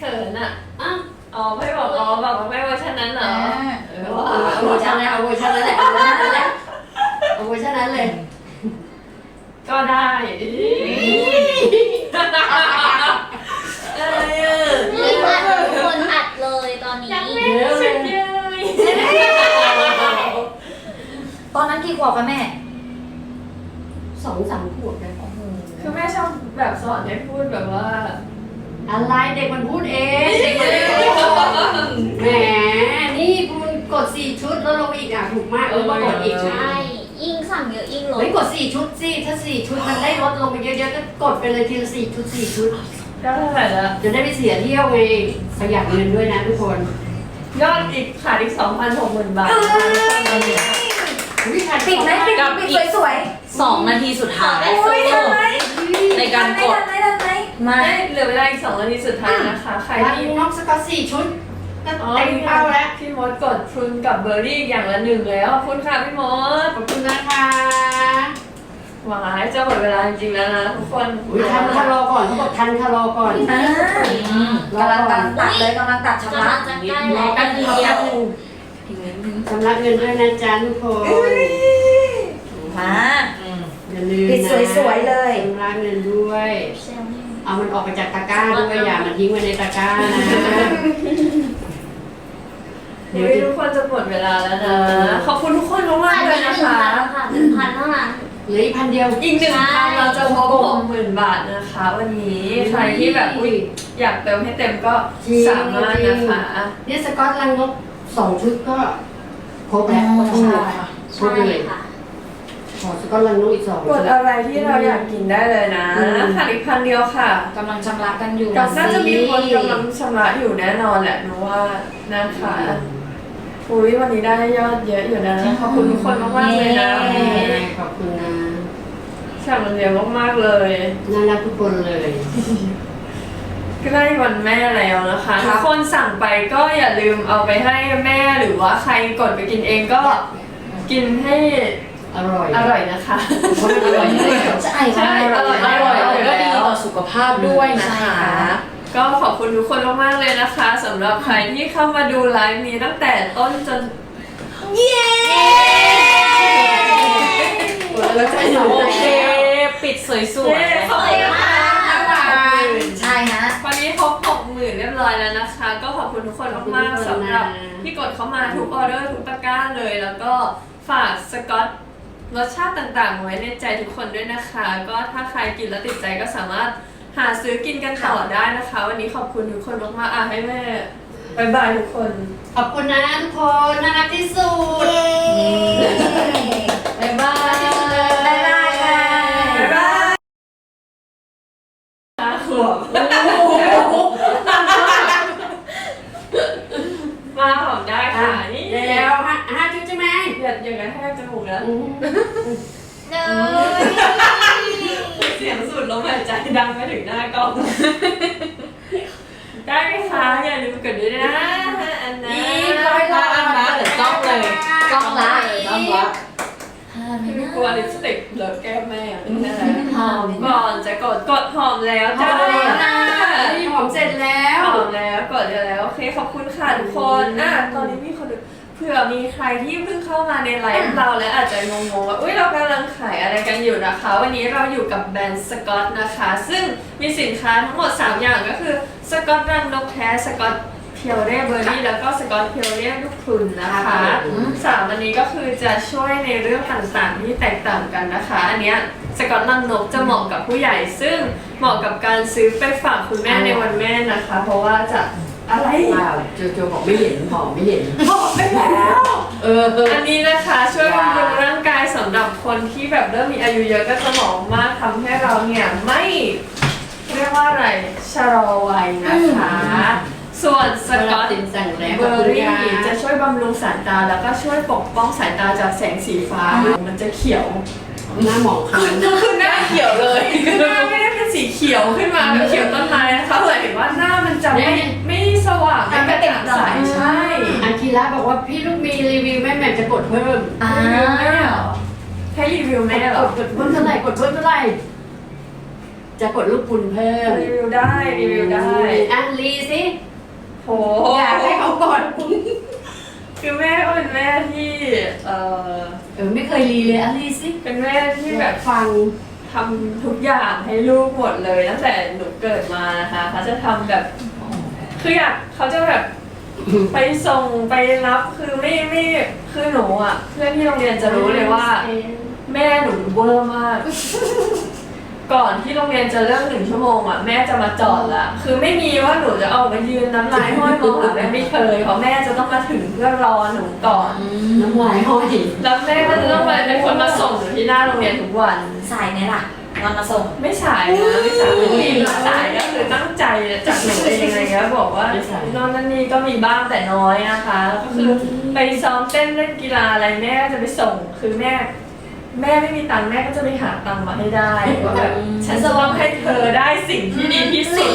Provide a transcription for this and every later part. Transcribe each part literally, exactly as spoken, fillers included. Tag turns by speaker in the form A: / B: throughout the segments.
A: ขินอ่ะ
B: อ้าว
A: อ๋อไม่บอกอ๋อบอกว่าไม่เวอร์ชันนั้นเหรอ
B: เออเอาเวอร์ชันนั้นเอาเวอร์ชันนั้นแหละเอาเวอร์ชันนั้นแหละเอาเวอร์ชันนั้นเลย
A: ก็ได้อะไรอ่ะ
C: นี่อัดทุกคนอัดเลยตอนนี้
A: ยังไม่สุดเลย
D: ตอนนั้นกี่ขวบคะแม่
B: สองสามขวบเลย
A: คือแม่ชอบแบบสอนให้พูดแบบว่า
B: อะไรเด็กมันพูดเองเด็กมันไม่พูดแหมนี่คุณกดสี่ชุดแล้วลงอีกอ่ะถูกมากเออมากดอีก
C: ใช่ยิ่งสั่งเยอะยิ่งลด
B: เฮ้ยกดสี่ชุดสิถ้าสี่ชุดมันได้ลดลงไปเยอะๆก็กดไปเลยทีละสี่ชุดสี่ชุด
A: ได้เท่าไหร่ละ
B: จะได้ไม่เสียเที่ยวไงประหยัดเงินด้วยนะทุกคน
A: ยอดอีกขาดอีกสองพันหกหมื่นบาท
B: วิชา
D: ปิดไหมปิดปิดสวย
E: สองนาทีสุดท้าย
D: ๆโอ้ยทันไหม
E: ในการกด
D: ทันไหมทันไหม
E: ไม่
A: ไม่เหลือเวลาอีกสองนาทีสุดท้ายนะคะ ใคร
B: ร้าน
A: ที่
B: น้องสกอตสี่ชุดก็
A: อ๋อ
B: เต็มเป้าแล้ว
A: พี่มดกดพรุนกับเบอร์รี่อย่างละหนึ่งแล้วขอบคุณค่ะพี่มด
B: ขอบคุณนะคะ
A: หวายจะหมดเวลาจริงๆแล้วนะทุกคน
B: อุ้ยทันคารอก่อนเขาบอกทันคารอก่อน
D: อ่ากำลังกำลังตัดเลยกำลังตัดชำ
C: กำ
D: ระ
C: ลังจะใกล้
B: ร
C: แล้
B: อ
C: ว
B: กัน
C: ที
B: เดี
C: เดี
B: ย
C: ยว ว
B: สำหรับเงินด้วยนะจ๊ะทุกคน
D: มา
B: อย่าลืมนะ
D: ปิดสวยๆเลย
B: สำหรับเงินด้วย
C: เซลล์
B: เอามันออกไปจากตะกร้าด้วยอย่ามันทิ้งไว้ในตะกร้านะ
A: เดี๋ยวทุกคนจะหมดเวลาแล้วนะ ขอบคุณทุกคนมากๆเลยนะคะ
C: หนึ่งพันเท่านั้น
B: เหลืออีกพันเดียว
A: อีกหนึ่งพันเราจะพบหกหมื่นบาทนะคะ วันนี้ใครที่แบบอุ๊ยอยากเติมให้เต็มก็สามารถนะคะ
B: เนี่ยสกอตลังนกสองชุดก็ครบแล้ว
D: ใช่
B: ครบ
C: ใช่
B: เลย
C: ค่ะ
B: ขอสกอตลังนกอีกสอง
A: กดอะไรที่เราอยากกินได้เลยนะ
B: อืม
A: ขาดอีกพันเดียวค่ะ
D: กำลังชำระกันอยู่
A: น่าจะมีคนกำลังชำระอยู่แน่นอนแหละหนูว่านะคะอุ้ยวันนี้ได้ยอดเยอะอยู่นะ ขอบคุณทุกคนมากๆเลยนะ
B: ขอบคุณนะ
A: ฉ่ำมันเยอะมากๆเลย
B: น่ารักทุกคนเลย
A: ใกล้วันแม่แล้วนะคะทุกคนสั่งไปก็อย่าลืมเอาไปให้แม่หรือว่าใครกดไปกินเองก็กินให้
B: อร่อย
A: อร่อยนะคะ
B: เพราะมันอร่อยเลย
D: ใช่
A: ใช่
D: ค่ะ
A: อร่อยอร่อย
E: ก็ดีต่อสุขภาพด้วยนะคะ
A: ก็ขอบคุณทุกคนมากๆเลยนะคะสำหรับใครที่เข้ามาดูไลฟ์นี้ตั้งแต่ต้นจน
D: เย้
A: แล้วจะอยู่
E: โอเค ปิดสวย
A: ขอบคุณนะคะ
D: ใช่ฮะ
A: วันนี้ครบหกหมื่นเรียบร้อยแล้วนะคะ ก็ขอบคุณทุกคนมากๆสำหรับที่กดเข้ามาทุกออเดอร์ทุกตะกร้าเลย แล้วก็ฝากสกอตรสชาติต่างๆไว้ในใจทุกคนด้วยนะคะ ก็ถ้าใครกินแล้วติดใจก็สามารถหาซื้อกินกันต่อได้นะคะ วันนี้ขอบคุณทุกคนมากๆอ่ะให้แม่บายบายทุกคน
B: ขอบคุณนะทุกคนน่ารักที่สุด
A: บายบาย
D: บ๊ายบายค่ะ
A: บายบายห้าขวบมาหอมได้ค่ะนี่
B: แล้วห้าห้าชุดใช่ไหม
A: เดือดอย่างนั้นแทบจมูกแล้ว
B: อืม
C: เนย
A: เสียงสุดลมหายใจดังไปถึงหน้ากล้อง ได้ไหมคะอย่าลืมกดด้วยนะอันนั้น
B: อีกร้อยละ
E: อันละเดี๋ยวกล้องเลยกล้องละกล้องละ
A: คือกลัวลิปสติกเลอะแก้มแม่นั่นแหละหอมก่อนจะกดกดหอมแล้วจ้า
B: นี่หอมเสร็จแล้ว
A: หอมแล้วกดแล้วโอเคขอบคุณค่ะทุกคนอ่ะตอนนี้มีคนดูเผื่อมีใครที่เพิ่งเข้ามาในไลฟ์เราและอาจจะงงๆว่าอุ้ยเรากำลังขายอะไรกันอยู่นะคะ วันนี้เราอยู่กับแบรนด์สกอตนะคะ ซึ่งมีสินค้าทั้งหมดสามอย่างก็คือสกอตรังนกแท้สกอตเพียวเร่เบอร์รี่แล้วก็สกอตเพียวเร่ลูกพรุนนะคะสามอันนี้ก็คือจะช่วยในเรื่องต่างๆที่แตกต่างกันนะคะ อันเนี้ยสกอตรังนกจะเหมาะกับผู้ใหญ่ ซึ่งเหมาะกับการซื้อไปฝากคุณแม่ในวันแม่นะคะ เพราะว่าจะอะไร
B: เปล่าโจโจบอกไม่เห็นหอมไม่เห็น
A: บอกไปแล้ว
B: เออเออ
A: อันนี้นะคะช่วยบำรุงร่างกายสำหรับคนที่แบบเริ่มมีอายุเยอะก็จะเหมาะมากทำให้เราเนี่ยไม่เรียกว่าอะไรชะลอวัยนะคะ ส่วนสกอต
B: ตินสั่งแล้ว
A: เบอร์รี่จะช่วยบำรุงสายตาแล้วก็ช่วยปกป้องสายตาจากแสงสีฟ้ามันจะเขียว
B: หน้าหมองคล้ำ
A: คือหน้าเขียวเลยคือหน้าไม่ได้เป็นสีเขียวขึ้นมาแบบเขียวต้นไม้นะคะหมายถึงว่าหน้ามันจะไม่ไม่สว่างไม่กระจ่างใสใช่
B: อาคิระบอกว่าพี่ลูกมีรีวิวแม่แม่จะกดเพิ่ม
D: อ่า
A: รีวิวแม่เหรอให้รีวิวแม่เหรอก
B: ดเพิ่มเท่าไหร่กดเพิ่มเท่าไหร่จะกดลูกคุณเพิ่ม
A: รีวิวได้รีวิวได้
B: อ่ะรีสิ
A: โห
B: อยากให้เขาก่อนคุณ
A: คือแม่ก็เป็นแม่ที่เออ
B: เออไม่เคยรีเลยอะไรสิ
A: เป็นแม่ที่แบบ
B: ฟัง
A: ทำทุกอย่างให้ลูกหมดเลยตั้งแต่หนูเกิดมานะคะเขาจะทำแบบคืออยากเขาจะแบบไปส่งไปรับคือไม่ไม่คือหนูอ่ะเพื่อนที่โรงเรียนจะรู้เลยว่า แม่หนูเวอร์มาก ก่อนที่โรงเรียนจะเลิกหนึ่งชั่วโมงอ่ะแม่จะมาจอดละคือไม่มีว่าหนูจะออกมายืนน้ำลายห้อยมองหาแม่ไม่เคยเพราะแม่จะต้องมาถึงเพื่อรอหนูก่อน
B: น้ำลายห้อย
A: แล้วแม่ก็จะต้องมาเป็นคนมาส่งหนูที่หน้าโรงเรียนทุกวัน
D: สายไหมล่ะนอนมาส่ง
A: ไม่สายนะไม่สายไม่มีสายก็คือตั้งใจจากหนูเองอะไรเงี้ยบอกว่านอนนั่นนี่ก็มีบ้างแต่น้อยนะคะ ก็คือไปซ้อมเต้นเล่นกีฬาอะไรแม่ก็จะไปส่งคือแม่ แม่ไม่มีตังค์แม่ก็จะไปหาตังค์มาให้ได้ว่าแบบฉันจะต้องให้เธอได้สิ่งที่ดีที่สุด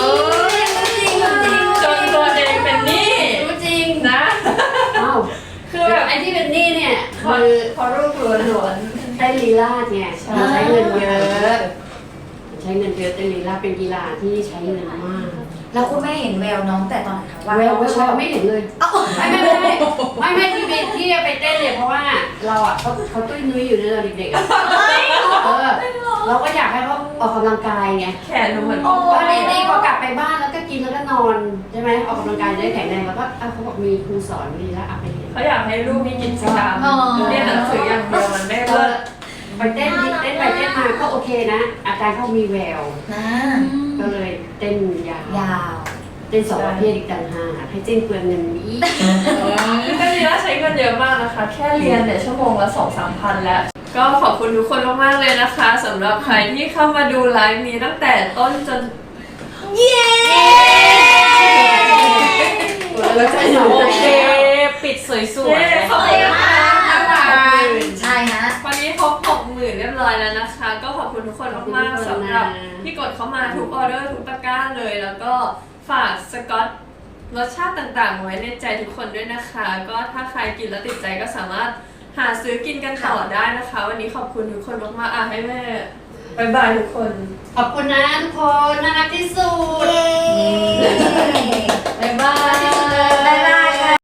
A: จนตัวเองเป็นหนี้
B: รู้จริง
A: นะ
B: อ้าว
A: คือแบบ
B: ไอ้ที่เป็นหนี้เนี่ย
A: พอ
B: คือ
A: พอรูปล้วน
B: เต้นลีลาดเนี่ยมันใช้เงินเยอะใช้เงินเยอะเต้นลีลาดเป็นกีฬาที่ใช้เงินมาก
D: แล้วคุณแม่เห็นแววน้องแต่ตอนไหนคะว่า
B: แวว
D: น้อง
B: แวว
D: ชอบ
B: ไม่เห็นเลยไม่ไม่ไม่ไม่ไม่ไม่ที่ไปที่ไปเต้นเนี่ยเพราะว่าเราอ่ะเขาเขาตุ้ยนุ้ยอยู่ในเราเด็กๆอ่ะเออเราก็อยากให้เขาออกกำลังกายไง
A: ๆแขนหนูเหมือน
B: เพราะนี่นี่พอกลับไปบ้านแล้วก็กินแล้วก็นอนใช่ไหมออกกำลังกายจะได้แข็งแรงแล้วก็อ่ะเขาบอกมีครูสอนดีแล้วอ่ะไปเรียน
A: เขาอยากให้ลูกมีกิจกรรมเรียนหนังสืออย่างเดียวมันไม่
B: เอ
A: เลิ
B: อก ไปเต้นเต้นไปเต้นมาก็โอเคนะ อาจารย์เขามีแวว
D: นะ
B: ก็เลยเต้นยาวย
D: าว
B: เต้นสองประเภทอีกต่างหากให้เต้นเปลืองเงินอีก
A: คือเรียนใช้เงินเยอะมากนะคะ แค่เรียนเนี่ยชั่วโมงละสองสามพันแล้ว ก็ขอบคุณทุกคนมากๆเลยนะคะสำหรับใครที่เข้ามาดูไลฟ์นี้ตั้งแต่ต้นจน
C: เย้
B: แล้วจะอยู่
E: โอ
B: ใน
E: เค ปิดสวย
A: เย้ขอบคุณนะคะ
D: ใช่ฮะ
A: วันนี้ครบหกหมื่นเรียบร้อยแล้วนะคะ ก็ขอบคุณทุกคนมากๆสำหรับที่กดเข้ามาทุกออเดอร์ทุกตะกร้าเลย แล้วก็ฝากสกอตรสชาติต่างๆ ไว้ในใจทุกคนด้วยนะคะ ก็ถ้าใครกินแล้วติดใจก็สามารถหาซื้อกินกันต่อได้นะคะ วันนี้ขอบคุณทุกคนมากๆอ่ะให้แม่บายบายทุกคน
B: ขอบคุณนะทุกคนน่ารักที่สุด
D: บ๊ายบาย